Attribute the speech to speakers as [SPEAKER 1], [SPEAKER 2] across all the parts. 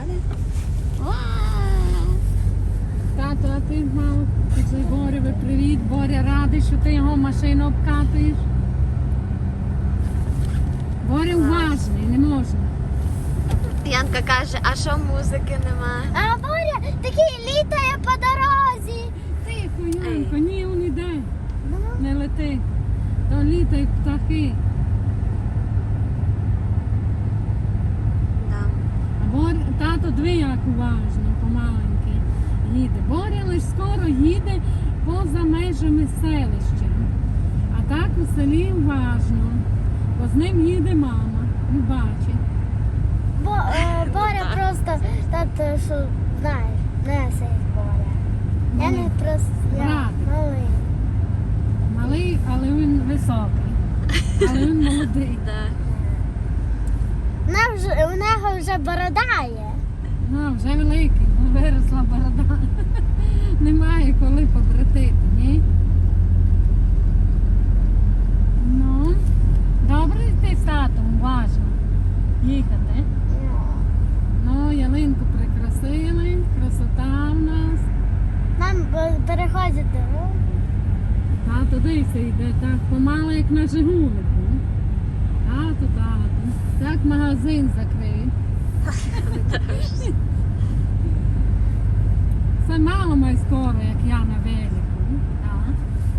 [SPEAKER 1] Тато, а ти мав цей Борєві привіт. Боря радий, що ти його машину обкатуєш. Боря уважний, не можна.
[SPEAKER 2] Янка каже, а що музики нема?
[SPEAKER 3] А Боря такий літає по дорозі.
[SPEAKER 1] Тихо, Янко, ні, він іде.
[SPEAKER 3] Ну,
[SPEAKER 1] Не лети. То літають птахи.
[SPEAKER 2] Да.
[SPEAKER 1] А тато дві як уважно, помаленьки їде. Боря лише скоро їде поза межами селища. А так у селі уважно. Бо з ним їде мама. Не бачить.
[SPEAKER 3] Боря просто, тато, що знаєш, не цей Боря. Я не просто, я
[SPEAKER 1] Братик.
[SPEAKER 3] малий.
[SPEAKER 1] Малий, але він високий. Але він молодий.
[SPEAKER 2] Да.
[SPEAKER 3] У нього вже борода є.
[SPEAKER 1] Ну, вже великий, виросла борода. Немає коли побратити, ні? Ну, добре ти з татом, уважно їхати. Ну, ялинку прикрасили, красота в нас.
[SPEAKER 3] Нам переходять дорогу.
[SPEAKER 1] Тато дивися йде так помало, як на Жигулику. Тато. Так магазин закрив. Це мало май скоро, як я на велику. Так.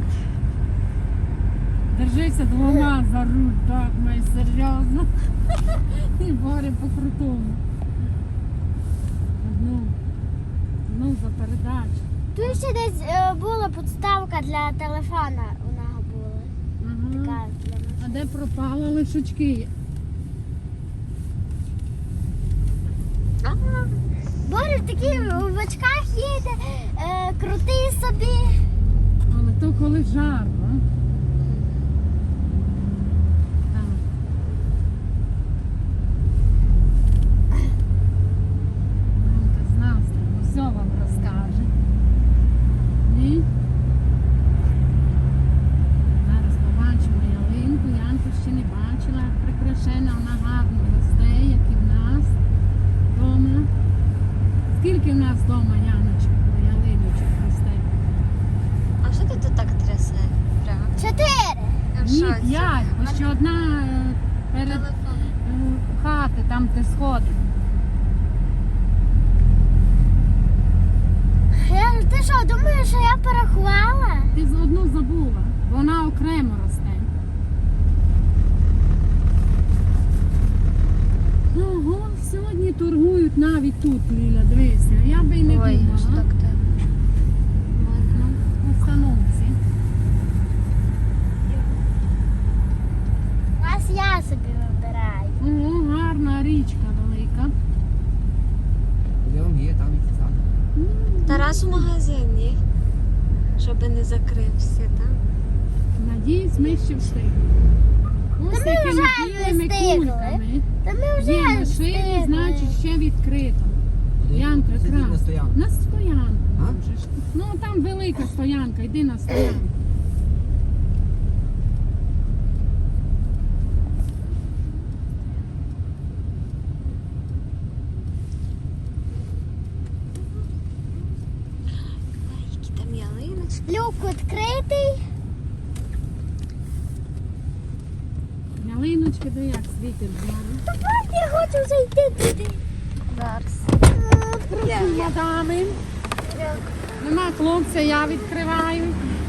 [SPEAKER 1] Держися двома за руль, так май серйозно. І Боря по крутому. Одну за передачу.
[SPEAKER 3] Тут ще десь була підставка для телефона у нього була. Така
[SPEAKER 1] Ага.
[SPEAKER 3] для нас.
[SPEAKER 1] А де пропали лишучки?
[SPEAKER 3] Боря такий в очках їде, крутий собі.
[SPEAKER 1] Але то коли жарко. Так. Мамка з настроєм все вам розкаже. Ні? Зараз побачимо ялинку. Янку ще не бачила, як прикрашена, вона гарно росте, як і в нас вдома. Скільки в нас вдома, Яночка, ялиночок росте?
[SPEAKER 2] А що ти тут так трясе? Прямо.
[SPEAKER 3] 4.
[SPEAKER 2] Я в
[SPEAKER 1] Ні,
[SPEAKER 2] шоці.
[SPEAKER 1] 5, бо ще одна перед
[SPEAKER 2] Телефон.
[SPEAKER 1] хати, там де сходи.
[SPEAKER 3] Ти що, думаєш, що я порахувала?
[SPEAKER 1] Ти одну забула, бо вона окремо росте. Ого, сьогодні торгують навіть тут, Ліля, дивися. Я би й не
[SPEAKER 2] Ой,
[SPEAKER 1] думала.
[SPEAKER 2] що так те.
[SPEAKER 1] Ну, в установці.
[SPEAKER 3] Ось я собі вибираю.
[SPEAKER 1] Ого, гарна річка велика.
[SPEAKER 4] Йдемо, є там і сад.
[SPEAKER 2] Тарас у магазині, щоб не закрився, так?
[SPEAKER 1] Надіюсь, ми ще встигнемо. Ось
[SPEAKER 3] Та ми
[SPEAKER 1] якими
[SPEAKER 3] вже
[SPEAKER 1] білими
[SPEAKER 3] не встигли.
[SPEAKER 1] кульками.
[SPEAKER 3] Та ми вже
[SPEAKER 1] Є машини,
[SPEAKER 3] встигли.
[SPEAKER 1] значить ще відкрито. Янка,
[SPEAKER 4] Сидіть
[SPEAKER 1] якраз.
[SPEAKER 4] на стоянку.
[SPEAKER 1] На стоянку.
[SPEAKER 4] А?
[SPEAKER 1] можеш. Ну там велика стоянка, йди на стоянку.
[SPEAKER 2] Ой, які там ялиночки.
[SPEAKER 3] Люк відкритий.
[SPEAKER 1] Ялиночки, де як світить зараз.
[SPEAKER 3] Я хочу зайти туди.
[SPEAKER 2] Зараз.
[SPEAKER 1] Мадами. Нема хлопця, я відкриваю.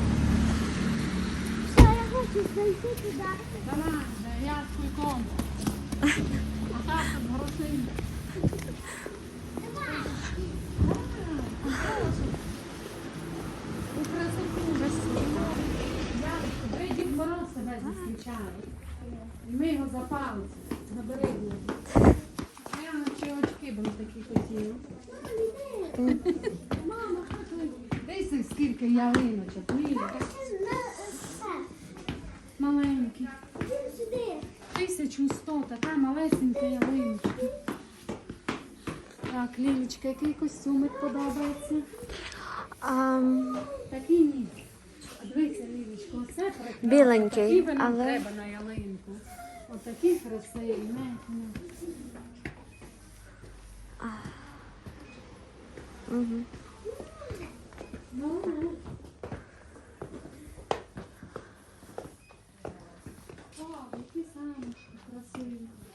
[SPEAKER 3] Все, я хочу зайти туди.
[SPEAKER 1] Давай, де я з кульком. А так з грошима. У красоту весілля. Я Дід Мороз тебе зустрічає. І ми його за палець набери його. Я наче очки були такі хотіли. Мама, що ти? Дивися, скільки ялиночок. Ліля. Маленькі.
[SPEAKER 3] Сюди.
[SPEAKER 1] 1100, така малесенька ялиночка. Так, Лілечка, який костюмик подобається? Такий ні. Дивися, Лілечко, оце прекрасно.
[SPEAKER 2] Біленький,
[SPEAKER 1] Такі нам
[SPEAKER 2] але-
[SPEAKER 1] треба на ялинку. Отакі красиві. Не.
[SPEAKER 2] Угу.
[SPEAKER 1] О, які самочки красиві.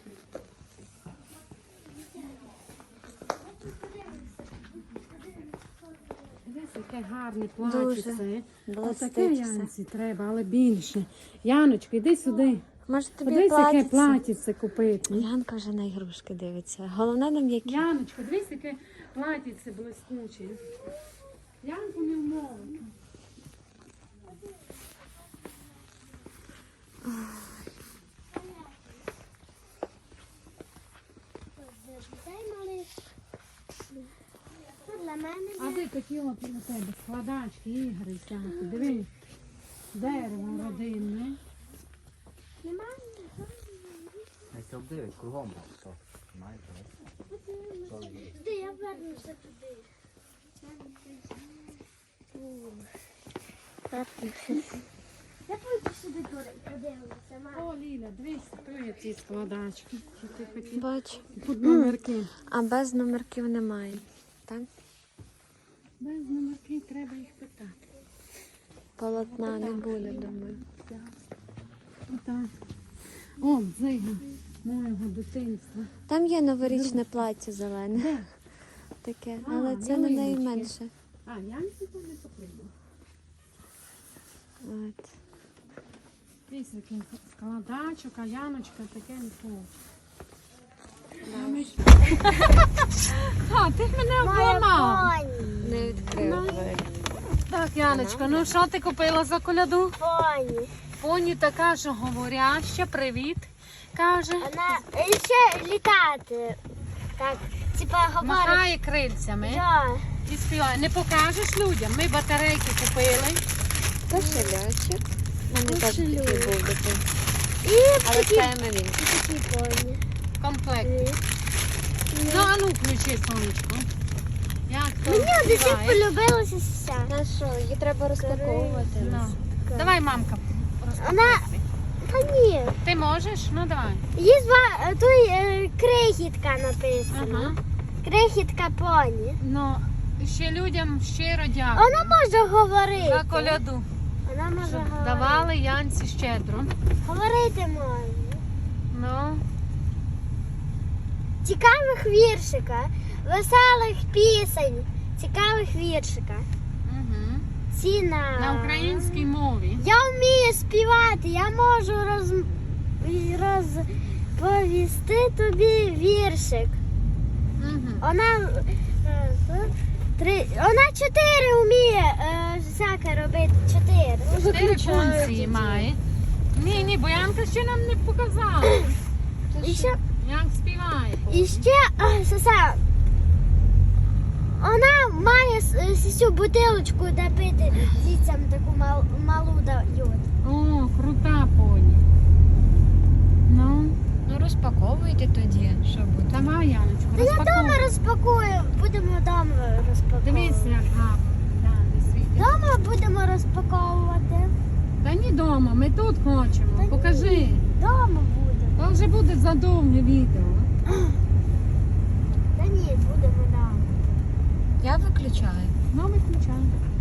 [SPEAKER 1] Дивись, яке гарне платьице.
[SPEAKER 2] Блистить
[SPEAKER 1] Отаке
[SPEAKER 2] все.
[SPEAKER 1] Янці треба, але більше. Яночка, йди сюди.
[SPEAKER 2] Може тобі
[SPEAKER 1] Подивись, яке
[SPEAKER 2] платиться?
[SPEAKER 1] платьице купити.
[SPEAKER 2] Янка вже на ігрушки дивиться. Головне нам які.
[SPEAKER 1] Яночка, дивись, яке платьице блискуче. Янку не вмовити.
[SPEAKER 3] Дай малиш. Це для мене.
[SPEAKER 1] А де такі от у тебе складачки, ігри всякі. Дивись. Дерево родинне.
[SPEAKER 3] Немає.
[SPEAKER 4] Не се обдивить кругом, то знаєте.
[SPEAKER 3] Де я вернуся туди. Я пойду сюди подивлюся, мама.
[SPEAKER 1] О, Ліля, дивись, то є ці складачки. Що ти хотів?
[SPEAKER 2] Бач.
[SPEAKER 1] Тут номерки.
[SPEAKER 2] А без номерків немає. Так?
[SPEAKER 1] Без номерки треба їх питати.
[SPEAKER 2] Полотна не буде, думаю.
[SPEAKER 1] Отак. О, дзига моєго дитинства.
[SPEAKER 2] Там є новорічне плаття зелене.
[SPEAKER 1] Де?
[SPEAKER 2] Таке,
[SPEAKER 1] А,
[SPEAKER 2] але це на неї
[SPEAKER 1] ялиночки.
[SPEAKER 2] менше.
[SPEAKER 1] А, Янці то не потрібно.
[SPEAKER 2] От.
[SPEAKER 1] Дивись, який складачок, а Яночка таке не хоче. А, ти мене обламав.
[SPEAKER 3] Поні.
[SPEAKER 2] Не відкрив двері.
[SPEAKER 1] Так, Яночка, ну що ти купила за коляду?
[SPEAKER 3] Поні.
[SPEAKER 1] Поні така, що говоряща, привіт, каже.
[SPEAKER 3] Вона ще літати. Так, типа говорить.
[SPEAKER 1] Махає крильцями
[SPEAKER 3] Да.
[SPEAKER 1] і співає. Не покажеш людям? Ми батарейки купили.
[SPEAKER 2] Кошелячок. У мене теж такий був дитин.
[SPEAKER 3] І
[SPEAKER 2] Але
[SPEAKER 3] такі,
[SPEAKER 2] це Емелін.
[SPEAKER 3] такі поні.
[SPEAKER 1] Комплект. Ну, а ну включи сонечко. Як то
[SPEAKER 3] Мені до цих
[SPEAKER 1] співає?
[SPEAKER 3] полюбилося все.
[SPEAKER 2] На що, її треба розпаковувати.
[SPEAKER 1] Ну. Давай, мамка.
[SPEAKER 3] Вона, та ні,
[SPEAKER 1] Ти можеш? Ну давай.
[SPEAKER 3] є тут крихітка написана.
[SPEAKER 1] Ага.
[SPEAKER 3] Крихітка поні.
[SPEAKER 1] Ну, ще людям щиро дякую
[SPEAKER 3] Вона може говорити.
[SPEAKER 1] за коляду.
[SPEAKER 3] Вона може
[SPEAKER 1] Щоб
[SPEAKER 3] говорити.
[SPEAKER 1] давали Янці щедро.
[SPEAKER 3] Говорити може.
[SPEAKER 1] Ну,
[SPEAKER 3] Цікавих віршика, веселих пісень, цікавих віршика.
[SPEAKER 1] угу.
[SPEAKER 3] Ціна.
[SPEAKER 1] На українській мові.
[SPEAKER 3] Я вмію співати, я можу розповісти тобі віршик.
[SPEAKER 1] Угу.
[SPEAKER 3] Вона вона 4 вміє всяке робити. 4.
[SPEAKER 1] 4 функції має. Ні, бо Янка ще нам не показала.
[SPEAKER 3] І ще,
[SPEAKER 1] Як співає.
[SPEAKER 3] і ще Соса, вона має цю бутилочку, де пити дітям таку малу дають.
[SPEAKER 1] О, крута поні. Ну,
[SPEAKER 2] Ну розпаковуйте тоді, що буде.
[SPEAKER 1] давай, Яночку,
[SPEAKER 3] Та я
[SPEAKER 1] розпаковуй.
[SPEAKER 3] вдома розпакую, будемо вдома розпаковувати.
[SPEAKER 1] Дивись, як гарно. Да, не світить.
[SPEAKER 3] Вдома будемо розпаковувати.
[SPEAKER 1] Та ні дома, ми тут хочемо.
[SPEAKER 3] ні.
[SPEAKER 1] Покажи.
[SPEAKER 3] Вдома будемо.
[SPEAKER 1] То вже буде задовге відео.
[SPEAKER 3] Та ні, будемо вдома.
[SPEAKER 2] Я виключаю.
[SPEAKER 1] Ну, виключай.